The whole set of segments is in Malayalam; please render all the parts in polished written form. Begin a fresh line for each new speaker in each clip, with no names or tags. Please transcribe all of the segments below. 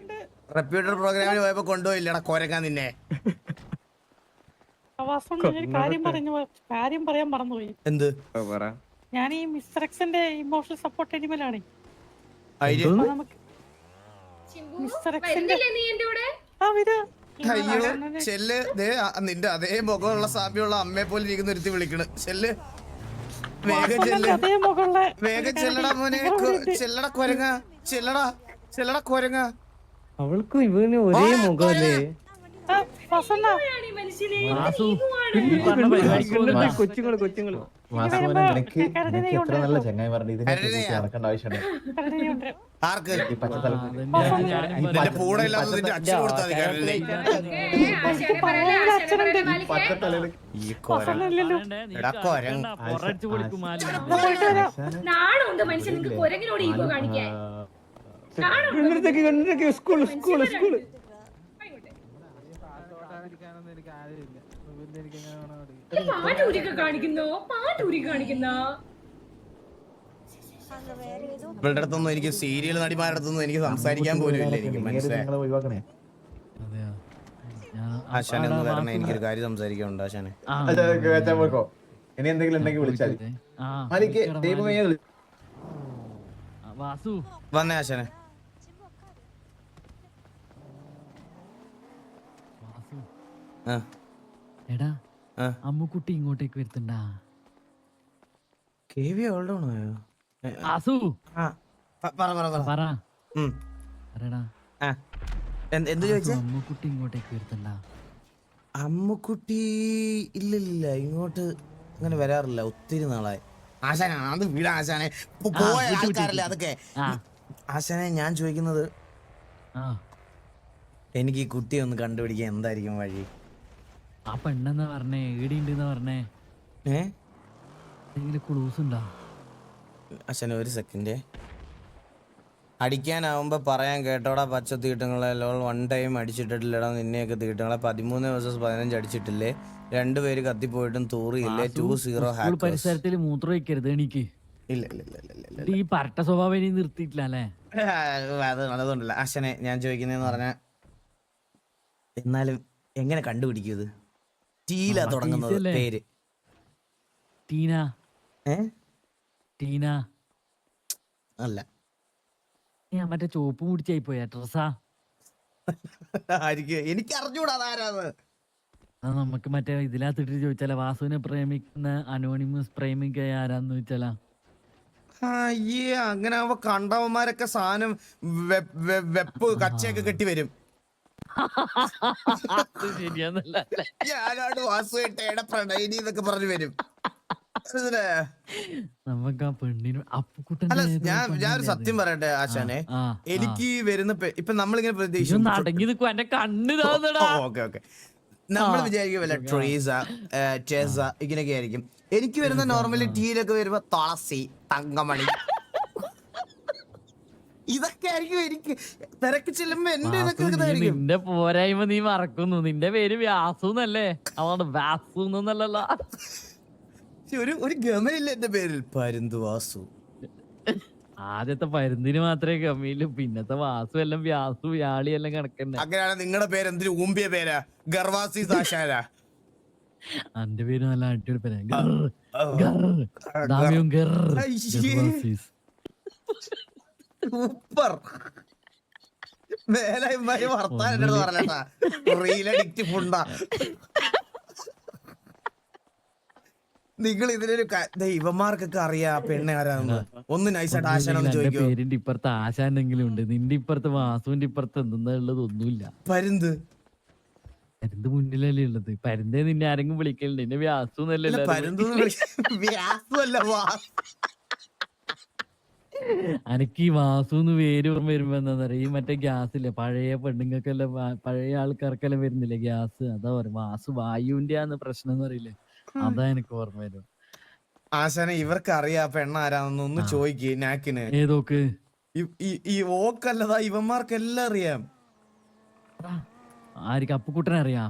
റെപ്യൂട്ടർ പ്രോഗ്രാമിന് പോയപ്പോ കൊണ്ടുപോയില്ലടാ കൊരക്കാൻ നിന്നെ.
കാര്യം പറയാൻ മറന്നുപോയി.
എന്ത്?
ഞാൻ ഈ മിസ്റ്റർ എക്സിന്റെ ഇമോഷണൽ സപ്പോർട്ട് എനിമലാണ്. മിസ്റ്റർ എക്സിന്റെ
അയ്യോ ചെല്ല്, നിന്റെ അതേ മുഖമുള്ള സാമ്യമുള്ള അമ്മയെ പോലെ ഇരിക്കുന്ന ഒരുത്തി വിളിക്കണ്. ചെല്ല് വേഗം ചെല്ല്, വേഗം ചെല്ലടാ മോനെ, ചെല്ലടാ കൊരങ്ങ, ചെല്ലടാ കൊരങ്ങ.
അവൾക്കും ഇവനും ഒരേ മുഖമല്ലേ? കൊച്ചുങ്ങള്
എത്ര നല്ല ചങ്ങായി പറഞ്ഞു ഇതിനെ നടക്കേണ്ട ആവശ്യമുണ്ട്.
ആർക്ക്? നിന്റെ കൂടെ ഇല്ലാതെ നിന്റെ അച്ഛൻ കൊടുത്താൽ ഇവളുടെ അടുത്തൊന്നും എനിക്ക് സീരിയൽ നടിമാരുടെ അടുത്തൊന്നും എനിക്ക് സംസാരിക്കാൻ പോലും ഇല്ല. എനിക്ക് മനസ്സിലായി. ആശാനെ ഒന്ന് വരണേ, എനിക്കൊരു കാര്യം സംസാരിക്കാനുണ്ട് ആശാനെ.
ഇനി എന്തെങ്കിലും ഉണ്ടെങ്കിൽ വിളിച്ചാൽ
വന്നേ ആശാനെ.
എടാ അമ്മുക്കുട്ടി ഇങ്ങോട്ടേക്ക് വരുത്തണ്ടാ. അമ്മുക്കുട്ടി ഇങ്ങോട്ടേക്ക് വരുത്തണ്ടാ.
അമ്മുക്കുട്ടി ഇല്ലില്ല, ഇങ്ങോട്ട് അങ്ങനെ വരാറില്ല, ഒത്തിരി നാളായി. ആശാനെ അത് വീട് ആശാനെ, പോയ ആൾക്കാരല്ലേ അതൊക്കെ. ആശാനെ ഞാൻ ചോദിക്കുന്നത്, എനിക്ക് ഈ കുട്ടിയെ ഒന്ന് കണ്ടുപിടിക്കാൻ എന്തായിരിക്കും വഴി?
ആ പെണ്ണെന്നാ പറഞ്ഞേ, ഈടിണ്ടെന്നാ പറഞ്ഞേ. ക്ലൂസ് ഉണ്ടോ
ആശാനെ? ഒരു സെക്കൻഡ്. അടിക്കാനാവുമ്പോ പറയാൻ കേട്ടോടാ പച്ച തീട്ടങ്ങളെ. വൺ ടൈം അടിച്ചിട്ടില്ലടാ നിന്നെയൊക്കെ തീട്ടങ്ങളെ. 13 vs 15 അടിച്ചിട്ടില്ലേ? 2 പേര് കത്തിപ്പോയിട്ടും തൂറിയില്ലേ? 2-0
പരിസരത്തിൽ മൂത്രം വയ്ക്കരുത് എനിക്ക്.
ഇല്ല
ഈ പരട്ട സ്വഭാവം ഇനി നിർത്തിയിട്ടില്ല അല്ലേ?
അതുകൊണ്ടല്ല ആശാനെ ഞാൻ ചോദിക്കുന്നതെന്ന് പറഞ്ഞാ, എന്നാലും എങ്ങനെ കണ്ടുപിടിക്കും ഇത്? ടീല തുടങ്ങുന്നത് പേര്.
ടീന ടീന
അല്ല,
ഞാൻ മറ്റേ ചോപ്പ് മുടിച്ചായി പോയ ഡ്രസ്സാ.
എനിക്ക് അറിഞ്ഞൂടാ അതാരാന്ന്.
നമുക്ക് മറ്റേ ഇതിനകത്തിട്ട് ചോദിച്ചാലോ, വാസുവിനെ പ്രേമിക്കുന്ന അനോണിമസ് പ്രേമിക്ക ആരാന്ന് ചോദിച്ചാലാ?
അയ്യേ, അങ്ങനെ ആവുമ്പോ കണ്ടവന്മാരൊക്കെ സാധനം വെപ്പ് കച്ചയൊക്കെ കെട്ടി വരും. ഞാനാണ് വാസുവേട്ടയുടെ പ്രണയിനി എന്നൊക്കെ പറഞ്ഞു വരും.
നമുക്ക് ആ പെണ്ണിന്
അല്ല, ഞാനൊരു സത്യം പറയട്ടെ ആശാനെ, എനിക്ക് വരുന്ന ഇപ്പൊ നമ്മളിങ്ങനെ പ്രതീക്ഷിച്ചു നമ്മൾ വിചാരിക്കും വല്ല ട്രേസ ചേസ ഇങ്ങനെയൊക്കെ ആയിരിക്കും. എനിക്ക് വരുന്ന നോർമലി ടീയിലൊക്കെ വരുമ്പോ തുളസി, തങ്കമണി ഇതൊക്കെ ആയിരിക്കും. എനിക്ക് തിരക്ക് ചെല്ലുമ്പോ എന്റെ ഇതൊക്കെ
നിന്റെ പോരായ്മ നീ മറക്കുന്നു. നിന്റെ പേര് വ്യാസു എന്നല്ലേ? അതാണ് വ്യാസു എന്നല്ലല്ലോ.
ഒരു ഗമയില്ല എന്റെ പേരിൽ, പരുന്തു വാസു.
ആദ്യത്തെ പരുന്തിന് മാത്രമേ ഗമയിലും, പിന്നത്തെ വാസു എല്ലാം വ്യാസു വ്യാളി എല്ലാം കണക്കന്നെ.
അങ്ങനെയാണ് നിങ്ങളുടെ പേര് എന്തിനു ഊമ്പിയ പേരാ? ഗർവാസി സാശാരാ.
എന്റെ പേര് നല്ല അടിപൊളി പേരാ.
സൂപ്പർ. വേലായിമാര് വർത്താനം പറഞ്ഞാ റീലഡിക്റ്റ് ഫുണ്ടാ. നിങ്ങൾ ഇതിനൊരു ഇവന്മാർക്കൊക്കെ അറിയാ പെണ്ണെ ആരാന്ന്. ഒന്ന് നൈസായിട്ട് ആശാനൊന്ന് ചോദിക്കോ.
പേരിന്റെ ഇപ്പുറത്ത് ആശാനെങ്കിലും ഉണ്ട്, നിന്റെ ഇപ്പുറത്ത് വാസുവിന്റെ ഇപ്പുറത്ത് എന്തെന്നാ ഉള്ളത്? ഒന്നുമില്ല.
പരുന്ത്
പരുന്ത് മുന്നിലല്ലേ ഉള്ളത്? പരുന്തേ നിന്നെ ആരെങ്കിലും വിളിക്കലുണ്ട്? നിന്നെ വ്യാസു എന്നല്ലേ? അനക്ക് ഈ വാസുന്ന് പേര് ഓർമ്മ വരുമ്പോ എന്താ പറയാ, ഈ മറ്റേ ഗ്യാസ് ഇല്ലേ, പഴയ പെണ്ണുങ്ങൾക്കെല്ലാം പഴയ ആൾക്കാർക്കെല്ലാം വരുന്നില്ലേ ഗ്യാസ്? അതാ പറയാ വാസു, വായുവിന്റെ ആന്ന് പ്രശ്നം എന്ന് പറയില്ലേ, അതാ എനിക്ക് ഓർമ്മ വരും.
ആശാനെ ഇവർക്ക് അറിയാ പെണ്ണ ആരാന്ന് ഒന്ന് ചോദിക്ക് നാക്കിന്.
ഏതോക്ക്?
ഈ ഓക്കല്ലതാ, ഇവന്മാർക്കെല്ലാം അറിയാം.
ആയിരിക്കും അപ്പുക്കുട്ടനെ അറിയാം.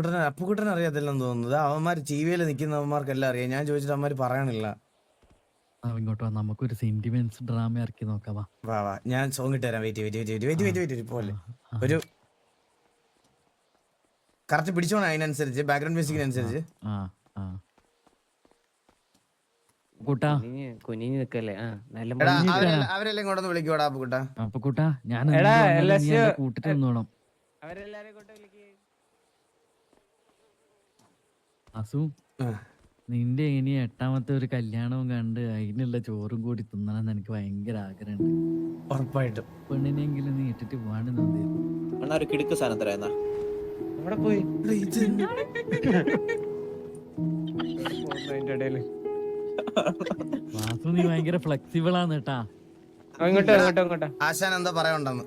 അപ്പുക്കുട്ടനെ അറിയാത്തില്ലെന്ന് തോന്നുന്നത്. അവന്മാര് ടി വിയിൽ നിൽക്കുന്നവന്മാർക്കെല്ലാം അറിയാം. ഞാൻ ചോദിച്ചിട്ട് അവന്മാര് പറയണില്ല.
ഇങ്ങോട്ട് വാ, നമുക്കൊരു സെന്റിമെന്റ്സ് ഡ്രാമ ഇറക്കി നോക്കാം വാ.
വാ വാ ഞാൻ സോങ് ഇട്ട് തരാം. വെയിറ്റ് പോലെ ഒരു കറക്റ്റ് പിടിച്ചോണം. അതിനനുസരിച്ച് ബാക്ക്ഗ്രൗണ്ട് മ്യൂസിക്കിനനുസരിച്ച്.
ആ ആ കൂട്ടാ
കുനിഞ്ഞു നിക്കല്ലേ നല്ല
എടാ അവരെല്ലാം ഇങ്ങോട്ടൊന്ന് വിളിക്കോടാ കൂട്ടാ.
അപ്പൊ കൂട്ടാ ഞാൻ
എടാ,
കൂട്ടിട്ട് നിന്നോണം.
അവരെല്ലാരും കൊണ്ട് വിളിക്ക്.
അസു നിന്റെ ഇനി 8ാമത്തെ ഒരു കല്യാണവും കണ്ട് അതിനുള്ള ചോറും കൂടി തിന്നണമെന്ന് എനിക്ക് ഭയങ്കര ആഗ്രഹമുണ്ട്.
ഉറപ്പായിട്ടും
പെണ്ണിനെങ്കിലും നീ ഇട്ടിട്ട് പോവാണ്ട് നന്നായിരുന്നു.
അണ്ണാ ഒരു കിടുക്ക് സാധനം തരാ.
അവിടെ പോയി
വാസു നീ ഭയങ്കര ഫ്ലെക്സിബിൾ ആണ് കേട്ടാ.
ഇങ്ങോട്ടോ
ആശാൻ എന്താ പറയാനുണ്ടെന്ന്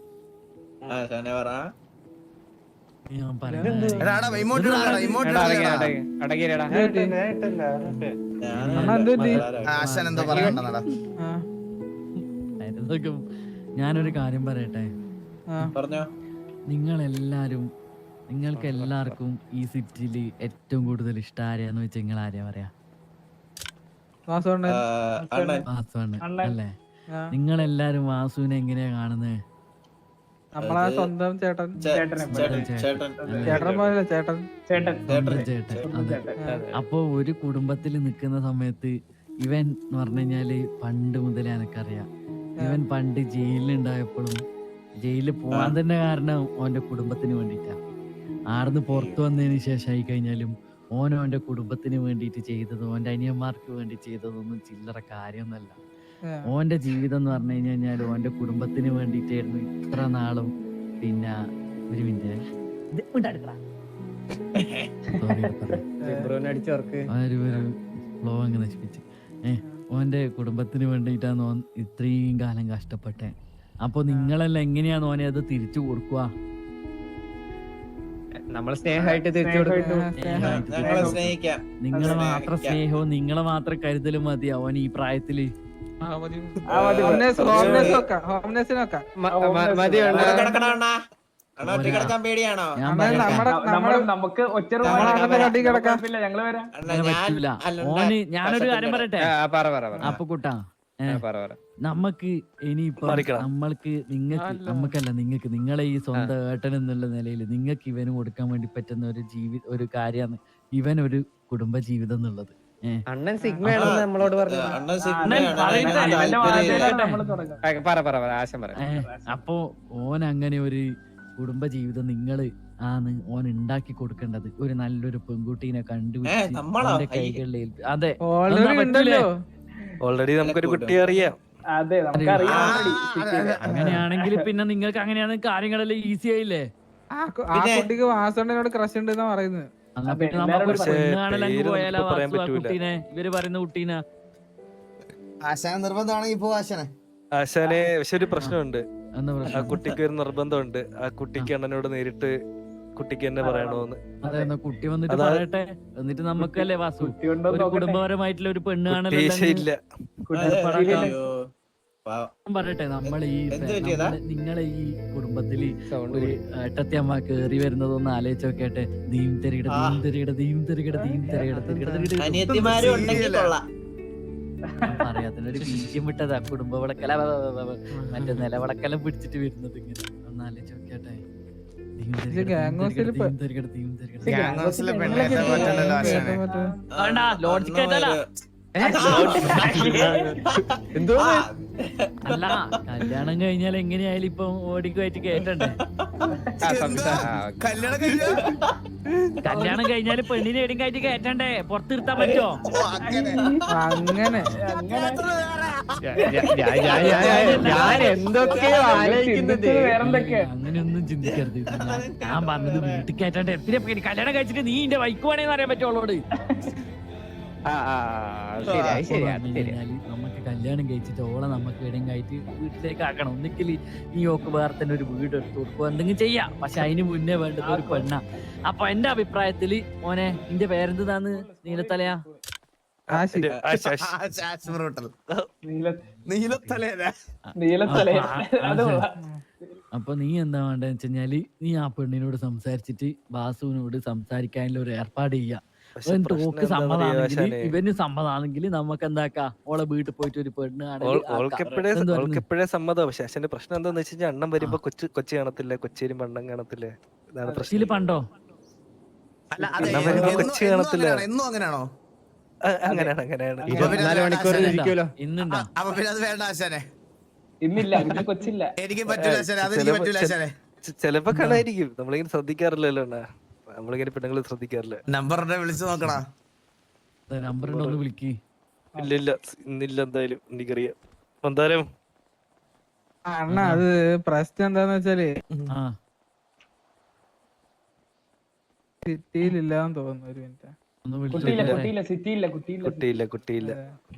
ഞാൻ പറയുന്നത്
ആശാൻ എന്താ പറയാനുണ്ടെന്നടാ.
ഇതൊക്കെ ഞാനൊരു കാര്യം പറയട്ടെ.
പറഞ്ഞോ.
നിങ്ങൾക്ക് എല്ലാവർക്കും ഈ സിറ്റിയിൽ ഏറ്റവും കൂടുതൽ ഇഷ്ടം ആരെയാന്ന് വെച്ചാൽ നിങ്ങൾ ആരെയാ പറയാ? വാസുവാണ് അല്ലേ? നിങ്ങളെല്ലാരും വാസുവിനെ എങ്ങനെയാ കാണുന്നത്?
നമ്മളാ സ്വന്തം ചേട്ടൻ.
അപ്പൊ ഒരു കുടുംബത്തിൽ നിൽക്കുന്ന സമയത്ത് ഇവൻ എന്ന് പറഞ്ഞു കഴിഞ്ഞാല് പണ്ട് മുതലേ എനക്കറിയാം. ഇവൻ പണ്ട് ജയിലിലുണ്ടായപ്പോഴും ജയിലിൽ പോവാൻ തന്നെ കാരണം ഓന്റെ കുടുംബത്തിന് വേണ്ടിയിട്ടാ. ആടുന്ന് പുറത്തു വന്നതിന് ശേഷമായി കഴിഞ്ഞാലും ഓൻ്റെ കുടുംബത്തിന് വേണ്ടിയിട്ട് ചെയ്തതും ഓൻ്റെ അനിയന്മാർക്ക് വേണ്ടി ചെയ്തതൊന്നും ചില്ലറ കാര്യമൊന്നുമല്ല. ഓന്റെ ജീവിതം എന്ന് പറഞ്ഞു കഴിഞ്ഞാൽ ഓന്റെ കുടുംബത്തിന് വേണ്ടിയിട്ടായിരുന്നു ഇത്ര നാളും. പിന്നെ ഒരു മിനിറ്റ് ഫ്ലോ അങ്ങ് നശിപ്പിച്ച് ഓന്റെ കുടുംബത്തിന് വേണ്ടിയിട്ടാണ് ഓൻ ഇത്രയും കാലം കഷ്ടപ്പെട്ടെ. അപ്പൊ നിങ്ങളെല്ലാം എങ്ങനെയാണ് ഓനെ അത് തിരിച്ചു കൊടുക്കുക?
നമ്മള് സ്നേഹമായിട്ട് തിരിച്ചു കൊടുക്കും.
നിങ്ങളെ മാത്രം സ്നേഹവും നിങ്ങളെ മാത്രം കരുതലും മതി അവൻ ഈ പ്രായത്തില്. ഞാനൊരു കാര്യം പറയട്ടെ അപ്പൊ കൂട്ടാ, നമ്മക്ക് ഇനിയിപ്പോ നിങ്ങൾക്ക് നിങ്ങളെ ഈ സ്വന്തം ഏട്ടൻ എന്നുള്ള നിലയിൽ നിങ്ങൾക്ക് ഇവന് കൊടുക്കാൻ വേണ്ടി പറ്റുന്ന ഒരു കാര്യമാണ് ഇവൻ ഒരു കുടുംബ ജീവിതം എന്നുള്ളത്.
അണ്ണൻ സിഗ്മയാണെന്ന് നമ്മളോട് പറഞ്ഞു.
അപ്പൊ ഓൻ അങ്ങനെ ഒരു കുടുംബ ജീവിതം നിങ്ങള് ഓൻ ഉണ്ടാക്കി കൊടുക്കേണ്ടത് ഒരു നല്ലൊരു പെൺകുട്ടീനെ കണ്ടുപിടിച്ച് കൈകളിൽ. അതെ,
ഓൾറെഡി നമുക്കൊരു കുട്ടിയെ അറിയാം.
അങ്ങനെയാണെങ്കിൽ പിന്നെ നിങ്ങൾക്ക് അങ്ങനെയാണ് കാര്യങ്ങളെല്ലാം ഈസി ആയില്ലേ?
കുട്ടിക്ക് വാസണ്ണനോട് ക്രഷ് ഉണ്ടെന്നാ പറയുന്നത്.
ഇവര് പറയുന്ന കുട്ടീനെ
ആശാന നിർബന്ധമാണെങ്കിൽ ഇപ്പൊ
ആശാനെ പക്ഷെ ഒരു പ്രശ്നമുണ്ട്. ആ കുട്ടിക്ക് ഒരു നിർബന്ധമുണ്ട്. ആ കുട്ടിക്ക് അണ്ണനോട് നേരിട്ട് കുട്ടിക്ക് എന്നെ പറയണോന്ന്.
അതെ, കുട്ടി വന്നിട്ട് പറയട്ടെ. എന്നിട്ട് നമുക്കല്ലേ വാസു ഒരു കുടുംബപരമായിട്ടുള്ള ഒരു പെണ്ണ് കാണല്ലേ പറയട്ടെ. നിങ്ങളെ ഈ കുടുംബത്തില് ഒരു ഏട്ടത്തിയമ്മ കേറി വരുന്നതൊന്ന് ആലോചിച്ച് നോക്കട്ടെ. പറയാത്തിനൊരു ബീജം വിട്ടതാ കുടുംബ വിളക്കല മറ്റേ നിലവിളക്കെല്ലാം പിടിച്ചിട്ട് വരുന്നത് ഇങ്ങനെ ഒന്ന് ആലോചിച്ച് നോക്കട്ടെ. ലോജിക്കായിട്ടല്ല അല്ല, കല്യാണം കഴിഞ്ഞാൽ എങ്ങനെയായാലും ഇപ്പൊ ഓടിക്കുമായിട്ട് കേട്ടണ്ടേ? കല്യാണം കഴിഞ്ഞാല് പെണ്ണിനെ എടിക്കായിട്ട് കേട്ടണ്ടേ? പുറത്തിരുത്താൻ പറ്റുമോ?
അങ്ങനെ
അങ്ങനെയൊന്നും ചിന്തിക്കരുത്. ഞാൻ പറഞ്ഞത് വീട്ടിൽ കേട്ടണ്ടേ? പിന്നെ കല്യാണം കഴിച്ചിട്ട് നീ എന്റെ വൈക്കുവാണേന്ന് അറിയാൻ പറ്റുള്ളോട്. നമുക്ക് കല്യാണം കഴിച്ചിട്ട് ഓളെ നമുക്ക് എവിടെയും കയറ്റി വീട്ടിലേക്ക് ആക്കണം. ഒന്നിക്കൽ ഈ ഓക്ക് വേറെ തന്നെ ഒരു വീട് എടുത്ത് കൊടുക്കുക, എന്തെങ്കിലും ചെയ്യാം. പക്ഷെ അതിന് മുന്നേ വേണ്ടത് ഒരു പെണ്ണ. അപ്പൊ എന്റെ അഭിപ്രായത്തില് മോനെ നിന്റെ പേരെന്താന്ന്? നീലത്തലയാ? അപ്പൊ നീ എന്താ വേണ്ടെന്ന് വെച്ച് കഴിഞ്ഞാല് നീ ആ പെണ്ണിനോട് സംസാരിച്ചിട്ട് വാസുവിനോട് സംസാരിക്കാനുള്ള ഒരു ഏർപ്പാട് ചെയ്യാ.
പക്ഷെ
ഇവൻ
പ്രശ്നം
തോക്ക്
എന്താ പറയാ
സമ്മതാണെങ്കിൽ
ആശാനെ,
ഇവന് സമ്മതാണെങ്കിൽ നമുക്ക് എന്താക്കാം ഓളെ വീട്ടിൽ പോയിട്ട് ഒരു പെണ്ണ് ആണെങ്കിൽ
ഓൾക്കെപ്പോഴേ സമ്മതം. പക്ഷെ അച്ഛന്റെ പ്രശ്നം എന്താന്ന് വെച്ച് കഴിഞ്ഞാൽ അണ്ണൻ വരുമ്പോ കൊച്ചി കാണത്തില്ല, കൊച്ചി വരുമ്പോ അണ്ണൻ കാണത്തില്ല. ഇതാണ് പ്രശ്നം.
പണ്ടോ
അല്ല അത്
എന്നാ വരുമ്പോ കൊച്ചി കാണത്തില്ല.
എന്നും അങ്ങനെയാണോ?
അങ്ങനെയാണ് അങ്ങനെയാണ്.
24 മണിക്കൂർ ഇരിക്കുമല്ലോ.
ഇന്നുണ്ടോ?
അപ്പൊ പിന്നെ അത് വേണ്ട ആശാനെ,
ഇന്നില്ല, ഇന്ന് കൊച്ചില്ല.
എനിക്ക് പറ്റൂല ആശാനെ, അതെനിക്ക് പറ്റൂല ആശാനെ.
ചെലപ്പോ കാണായിരിക്കും, നമ്മളിങ്ങനെ ശ്രദ്ധിക്കാറില്ലല്ലോ അണ്ണാ. നമ്മളിങ്ങനെ പെണ്ണുങ്ങൾ ശ്രദ്ധിക്കാറില്ല.
നമ്പറിനെ വിളിച്ചു നോക്കടാ.
നമ്പർ ഉണ്ടോ ഒന്ന് വിളിക്ക്.
ഇല്ലില്ല, ഇന്നില്ല എന്തായാലും എനിക്കറിയാം. എന്തായാലും
അണ്ണ അത് പ്രശ്നം എന്താന്ന് വെച്ചാല്
ആ
സിറ്റിയിലില്ലാന്ന് തോന്നുന്നു. ഒരു മിനിറ്റ്.
ഒന്ന്
കുട്ടിയില്ല,
വിളിച്ചു
കുട്ടിയില്ല, സിറ്റിയില്ല, കുട്ടിയില്ല.
കുട്ടിയില്ല.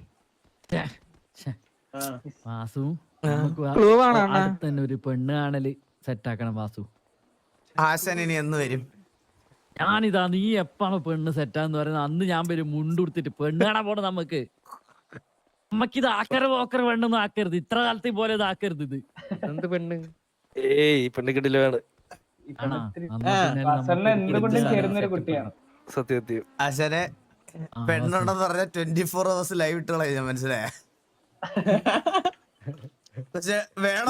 വാസു നമുക്ക്
Clue ആണോ അണ്ണാ?
അടുത്ത് തന്നെ ഒരു പെണ്ണ് കാണല് സെറ്റ് ആക്കണം വാസു.
ആശാൻ ഇനി എന്ന് വരും?
ഞാനിതാ നീ എപ്പാണ് പെണ്ണ് സെറ്റാന്ന് പറയുന്നത് അന്ന് ഞാൻ വരും മുണ്ടുടുത്തിട്ട് പെണ്ണ് കാണാൻ പോണ നമുക്ക്. നമ്മക്കിത് ആക്കര പോക്കര വേണ്ടൊന്നും ആക്കരുത്, ഇത്ര കാലത്തെ പോലെ ഇത് ആക്കരുത്. ഇത്
എന്ത് പെണ്ണ്?
ഏയ് പെണ്ണിക്കിടിലാണ്.
ആണോ?
വാസണ്ണ എന്തുകൊണ്ടും ചേരുന്നൊരു കുട്ടിയാണ്.
സത്യം.
ആശാനെ പെണ്ണുണ്ടെന്ന് പറഞ്ഞ 24 hours ലൈവ് ഇട്ട് കളയാ, മനസ്സിലായ? പക്ഷെ വേണം.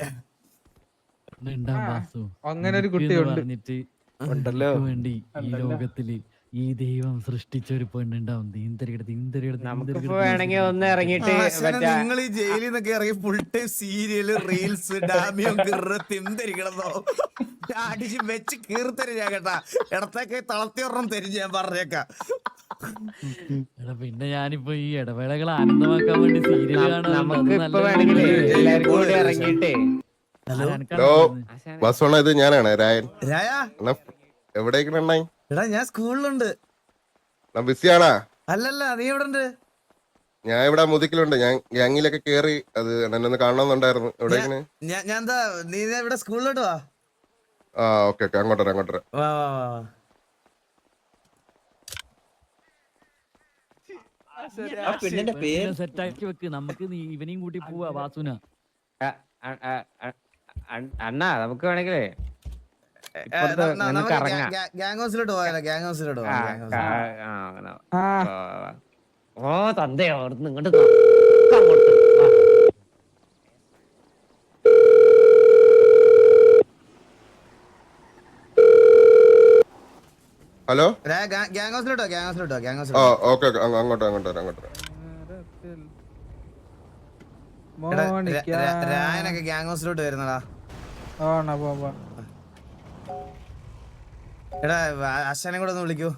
അങ്ങനെ ഒരു കുട്ടിയുണ്ട്.
പറഞ്ഞിട്ട്
ഉണ്ടല്ലോ.
നമുക്ക് വേണ്ടി ഈ ലോകത്തില് ഈ ദൈവം സൃഷ്ടിച്ച ഒരു പെണ്ണുണ്ടാവും.
നമുക്കിപ്പോ വേണമെങ്കിൽ ഒന്ന് ഇറങ്ങിയിട്ട് മറ്റേ
നിങ്ങൾ ഈ ജയിലിൽ നിന്നൊക്കെ ഇറങ്ങി ഫുൾ ടൈം സീരിയല്, റീൽസ്, ഡാമിയോ തിരിക്കണതോ അടിച്ച് വെച്ച് കീർത്തരി ഞാൻ കേട്ടാ. ഇടത്തേക്ക് തളർത്തി ഒരെണ്ണം തരും ഞാൻ പറഞ്ഞേക്കാം.
പിന്നെ ഞാനിപ്പോ ഈ ഇടവേളകൾ ആനന്ദമാക്കാൻ വേണ്ടി സീരിയൽ
നമുക്ക് ഇപ്പൊ വേണമെങ്കിൽ എല്ലാവർക്കും കൂടി ഇറങ്ങിയിട്ടേ.
ബസ്സോണ ഇത് ഞാനാണ് രായൻ.
രായ
എവിടേക്കണ?
എടാ ഞാൻ സ്കൂളിലുണ്ട്.
ബിസിയാണാ?
അല്ലല്ല, നീ എവിടെ ഉണ്ട്?
ഞാൻ ഇവിടെ മുതുക്കിലുണ്ട്. ഞാൻ ഗ്യാങ്ങിലൊക്കെ കേറി. അത് എന്നെ ഒന്ന് കാണണമെന്നുണ്ടായിരുന്നു. എവിടേക്കാണ്?
ഞാൻ എന്താ, നീ ഇവിടെ സ്കൂളിലോട്ട് വാ.
ആ ഓക്കെ ഓക്കെ, അങ്ങോട്ട് വരാം അങ്ങോട്ട് വരാം.
വാ വാ വാ വാ.
ആ പെണ്ണിന്റെ പേര്
സെറ്റാക്കി വെക്ക്, നമുക്ക് ഇവനെയും കൂട്ടി പോവാ വാസുന.
അണ്ണാ നമുക്ക് വേണമെങ്കിലേ
നമുക്ക്
ഇറങ്ങാം.
ഗ്യാങ് ഹൗസിലോട്ട് പോയാലോ? ഗ്യാങ് ഹൗസിലോട്ട് പോവാം.
ഓ തന്തയോ അവിടുന്ന് ഇങ്ങോട്ട്
ഹലോ.
ഗ്യാങ് ഹൗസിലോട്ടോ, ഗ്യാങ് ഹൗസിലോട്ടോ, ഗ്യാങ്
ആ
ഹൗസിലോട്ടോ.
ഓക്കെ ഓക്കെ, അങ്ങോട്ട് അങ്ങോട്ട് വരാം അങ്ങോട്ട് വരാം.
രായനൊക്കെ ഗ്യാങ് ഹൗസിലോട്ട് വരുന്നടാ. എടാ ആശാനെ കൂടെ ഒന്ന് വിളിക്കൂ.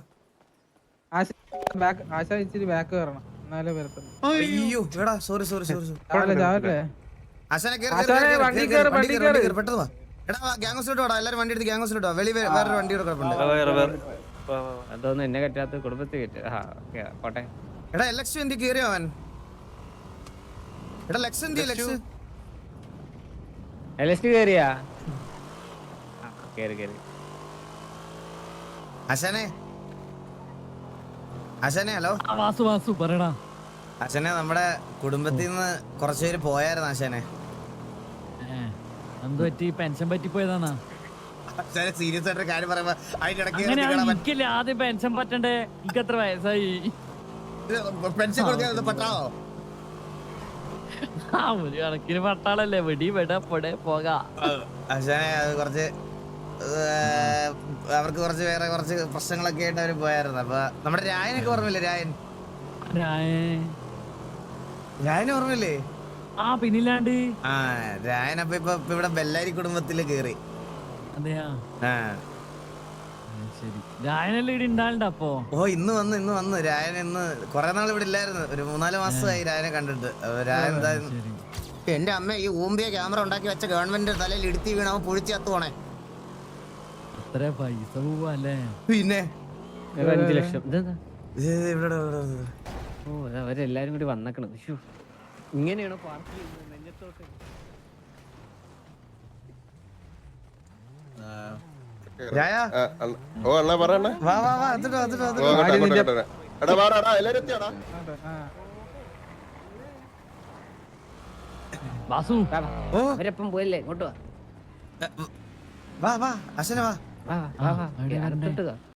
ആശ ഇച്ചിരി ബാക്ക് കയറണം, എന്നാലേ വരത്തുള്ളൂ.
അയ്യോ എടാ, സോറി സോറി സോറി.
ചാവല്ലേ?
ആശാനെ
വണ്ടി കേറ്, വണ്ടി കേറ്.
പെട്ടെന്ന് വാ. എടാ ഗ്യാങ് ഹൗസിലോട്ട് വാടാ, എല്ലാരും വണ്ടി എടുത്ത് ഗ്യാങ് ഹൗസിലോട്ട് വാ. വെളി വേറൊരു വണ്ടി കിടപ്പുണ്ട്.
അതൊന്നും എന്നെ കറ്റാത്ത കുടുംബത്തിൽ കയറ്റ. ഓക്കെ പോട്ടെ.
എടാ എലക്സ് എന്തി കേറിയോ അവൻ? എടാ ലക്സ് എന്തി? ലക്സ്
എലസ്റ്റ് കേറിയാ? കേറി കേറി.
ആശാനെ, ആശാനെ ഹലോ.
വാസു വാസു പറയടാ.
ആശാനെ നമ്മുടെ കുടുംബത്തിൽ നിന്ന് കുറച്ചുപേര് പോയായിരുന്നു ആശാനെ.
എന്ത് പറ്റി? പെൻഷൻ പറ്റിപ്പോയതാണോ?
ആശാനെ സീരിയസ് ആയിട്ട് കാര്യം പറയുമ്പോ അതിന്റെ
എനിക്കല്ലേ ആദ്യം പെൻഷൻ പറ്റണ്ടേ? എനിക്ക് എത്ര വയസ്സായി?
പെൻഷൻ കൊടുക്കാൻ പറ്റാവോ?
ഒരു കണക്കിന് പട്ടാളല്ലേ, വെടി വെട പൊടെ പോകാം.
ആശാനെ അത് കുറച്ച് അവർക്ക് കുറച്ച് വേറെ കുറച്ച് പ്രശ്നങ്ങളൊക്കെ ആയിട്ട് അവര് പോയായിരുന്നു. അപ്പൊ നമ്മുടെ രായനൊക്കെ ഓർമ്മയില്ലേ? രായന് ഓർമ്മയില്ലേ?
ആ പിന്നില്ലാണ്ട്.
ആ രായനപ്പൊ ഇപ്പൊ ഇവിടെ ബെല്ലാരി കുടുംബത്തില് കേറി.
അതെയാ?
ആ
ശരി. രായനല്ലേ ഇവിടെ ഉണ്ടാവണ്ട അപ്പൊ?
ഓ ഇന്ന് വന്ന് രായൻ ഇന്ന് കൊറേ നാൾ ഇവിടെ ഇല്ലായിരുന്നു. ഒരു 3-4 മാസമായി രായനെ കണ്ടിട്ട്. രായൻ എന്തായാലും എന്റെ അമ്മ ഈ ഊമ്പിയ ക്യാമറ ഉണ്ടാക്കി വെച്ച ഗവൺമെന്റ് തലയിൽ ഇടുത്തി വീണ അവൻ പൊഴിച്ച് കത്തുവാണേ.
അത്ര പൈസ പോവല്ലേ?
പിന്നെ
5 ലക്ഷം. ഓ അവരെല്ലാരും കൂടി വന്നേക്കണത്. ഇങ്ങനെയാണോ പാർക്ക് ചെയ്യുന്നത്? നെഞ്ഞത്തോട്ട്
ഓ അണ്ണാ പറയണ.
വാ വാ വാ, എത്തിട്ടോ.
എടാ വാടാ, എല്ലാരും എത്തിയാടാ.
വാസു
അവരപ്പം പോയല്ലേ? ഇങ്ങോട്ട്
വാ വാ അശ്വനെ വാ.
വാ.